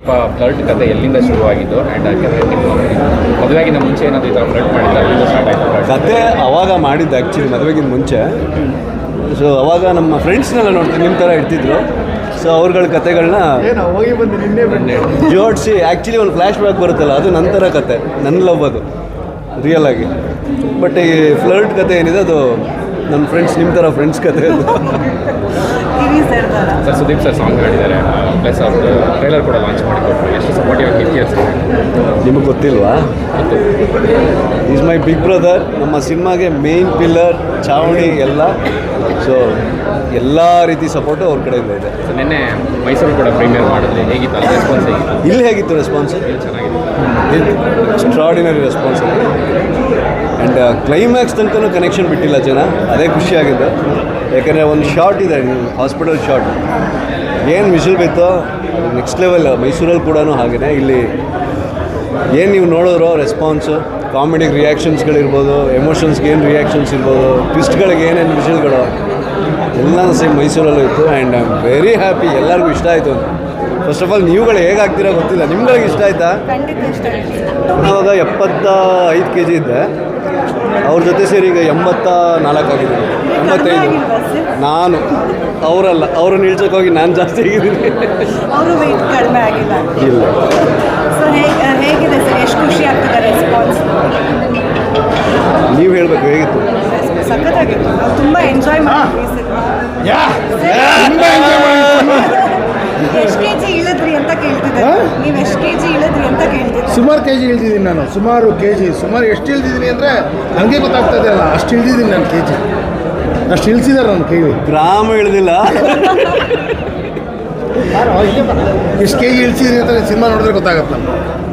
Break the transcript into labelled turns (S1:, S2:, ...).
S1: Flirt ಕತೆ ಎಲ್ಲಿಂದ ಶುರುವಾಗಿದ್ದು ಆ್ಯಂಡ್ ನಿಮ್ಮ ಮದುವೆಗಿಂತ ಮುಂಚೆ ಏನಾದರೂ ಈ ಥರ ಫ್ಲರ್ಟ್ ಮಾಡಿದ್ರೆ ಅಲ್ಲಿಂದ ಸ್ಟಾರ್ಟ್ ಆಯಿತು
S2: ಕತೆ ಅವಾಗ ಮಾಡಿದ್ದು ಆ್ಯಕ್ಚುಲಿ ಮದುವೆಗಿಂತ ಮುಂಚೆ. ಸೊ ಅವಾಗ ನಮ್ಮ ಫ್ರೆಂಡ್ಸ್ನೆಲ್ಲ ನೋಡ್ತೀನಿ ನಿಮ್ಮ ಥರ ಇರ್ತಿದ್ರು. ಸೊ ಅವ್ರಗಳ ಕತೆಗಳನ್ನ ಜೋಡಿಸಿ ಆ್ಯಕ್ಚುಲಿ ಒಂದು ಫ್ಲ್ಯಾಶ್ ಬ್ಯಾಕ್ ಬರುತ್ತಲ್ಲ ಅದು ನಂತರ ಕತೆ, ನನ್ನ ಲವ್ ಅದು ರಿಯಲ್ ಆಗಿ. ಬಟ್ ಈ ಫ್ಲರ್ಟ್ ಕತೆ ಏನಿದೆ ಅದು ನನ್ನ ಫ್ರೆಂಡ್ಸ್ ನಿಮ್ಮ ಥರ ಫ್ರೆಂಡ್ಸ್ ಕತೆ ಅದು.
S1: ಸರ್ ಸುದೀಪ್ ಸರ್ ಸಾಂಗ್ ಹಾಡಿದ್ದಾರೆ, ಪ್ಲಸ್ ಅವ್ರದ್ದು ಟ್ರೈಲರ್ ಕೂಡ ಲಾಂಚ್ ಮಾಡಿಕೊಟ್ರು. ಎಷ್ಟು ಸಪೋರ್ಟಿವ್ ಆಗಿರ್ತೀಯ ಸರ್?
S2: ನಿಮಗೆ ಗೊತ್ತಿಲ್ವಾ? Is my big brother. ನಮ್ಮ ಸಿನಿಮಾಗೆ ಮೇನ್ ಪಿಲ್ಲರ್, ಚಾವಣಿ ಎಲ್ಲ. ಸೊ ಎಲ್ಲ ರೀತಿ ಸಪೋರ್ಟು ಅವ್ರ ಕಡೆಯಿಂದ ಇದೆ.
S1: ಸೊ ನಿನ್ನೆ ಮೈಸೂರು ಕೂಡ ಪ್ರೀಮಿಯರ್ ಮಾಡಿದ್ರೆ ಹೇಗಿತ್ತು ಅದು ರೆಸ್ಪಾನ್ಸ್ ಹೇಗಿತ್ತು?
S2: ಇಲ್ಲಿ ಹೇಗಿತ್ತು ರೆಸ್ಪಾನ್ಸ್?
S1: ಚೆನ್ನಾಗಿದೆ,
S2: ಎಕ್ಸ್ಟ್ರಾಡಿನರಿ ರೆಸ್ಪಾನ್ಸ್ ಇದೆ. ಆ್ಯಂಡ್ ಕ್ಲೈಮ್ಯಾಕ್ಸ್ ತನಕ ಕನೆಕ್ಷನ್ ಬಿಟ್ಟಿಲ್ಲ ಜನ, ಅದೇ ಖುಷಿಯಾಗಿದ್ದು. ಯಾಕಂದರೆ ಒಂದು ಶಾರ್ಟ್ ಇದೆ, ಹಾಸ್ಪಿಟಲ್ ಶಾರ್ಟ್, ಏನು ವಿಷಲ್ ಬಿತ್ತೋ ನೆಕ್ಸ್ಟ್ ಲೆವೆಲ್. ಮೈಸೂರಲ್ಲಿ ಕೂಡ ಹಾಗೆಯೇ ಇಲ್ಲಿ ಏನು ನೀವು ನೋಡಿದ್ರೋ ರೆಸ್ಪಾನ್ಸು, ಕಾಮಿಡಿಗೆ ರಿಯಾಕ್ಷನ್ಸ್ಗಳಿರ್ಬೋದು, ಎಮೋಷನ್ಸ್ಗೆ ಏನು ರಿಯಾಕ್ಷನ್ಸ್ ಇರ್ಬೋದು, ಟ್ವಿಸ್ಟ್ಗಳಿಗೆ ಏನೇನು ವಿಷಲ್ಗಳು ಎಲ್ಲ ಸೇಮ್ ಮೈಸೂರಲ್ಲೂ ಇತ್ತು. And I am very happy, ಎಲ್ಲರಿಗೂ ಇಷ್ಟ ಆಯಿತು. ಫಸ್ಟ್ ಆಫ್ ಆಲ್ ನೀವುಗಳು ಹೇಗಾಗ್ತೀರಾ ಗೊತ್ತಿಲ್ಲ, ನಿಮ್ಗಳಿಗೆ ಇಷ್ಟ ಆಯಿತಾ? ಆವಾಗ 75 kg ಇದ್ದೆ, ಅವ್ರ ಜೊತೆ ಸೇರಿ ಈಗ 84 ಆಗಿದ್ದೀನಿ. 85 ನಾನು, ಅವರಲ್ಲ, ಅವ್ರನ್ನ ಇಳ್ಸೋಕ್ಕೋಗಿ ನಾನು ಜಾಸ್ತಿ ಆಗಿದ್ದೀನಿ.
S3: ಅವರು ವೆಯ್ಟ್ ಕಡಿಮೆ ಆಗಿಲ್ಲ.
S2: ಇಲ್ಲ.
S3: ಸೊ ಹೇಗಿದೆ ಸರ್, ಎಷ್ಟು ಖುಷಿ ಆಗ್ತದೆ ರೆಸ್ಪಾನ್ಸ್?
S2: ನೀವು ಹೇಳಬೇಕು ಹೇಗಿತ್ತು?
S3: ಸಖತ್ತಾಗಿತ್ತು, ನಾವು ತುಂಬ ಎಂಜಾಯ್ ಮಾಡಿದ್ವಿ ಸಿನಿಮಾ. ಎಷ್ಟು ಕೆ ಜಿ ಇಳಿದ್ರಿ ಅಂತ ಕೇಳ್ತಿದ್ದಾರೆ, ನೀವು ಎಷ್ಟು ಕೆ ಜಿ ಇಳಿದ್ರಿ ಅಂತ ಕೇಳ್ತಿದ್ದೆ.
S4: ಸುಮಾರು ಕೆ ಜಿ ಇಳಿದಿದ್ದೀನಿ ನಾನು, ಸುಮಾರು ಎಷ್ಟು ಇಳಿದಿದ್ದೀನಿ ಅಂದರೆ ನನಗೆ ಗೊತ್ತಾಗ್ತದೆ ಅಲ್ಲ, ಅಷ್ಟು ಇಳಿದಿದ್ದೀನಿ ನಾನು ಕೆ ಜಿ, ಅಷ್ಟು ಇಳಿಸಿದ್ದಾರೆ ನನ್ನ ಕೈಲಿ.
S2: ಗ್ರಾಮ ಇಳಿದಿಲ್ಲ,
S4: ಎಷ್ಟು ಕೆ ಜಿ ಇಳಿಸಿದ್ದೀನಿ ಅಂತ ಸಿನಿಮಾ ನೋಡಿದ್ರೆ ಗೊತ್ತಾಗತ್ತೆ.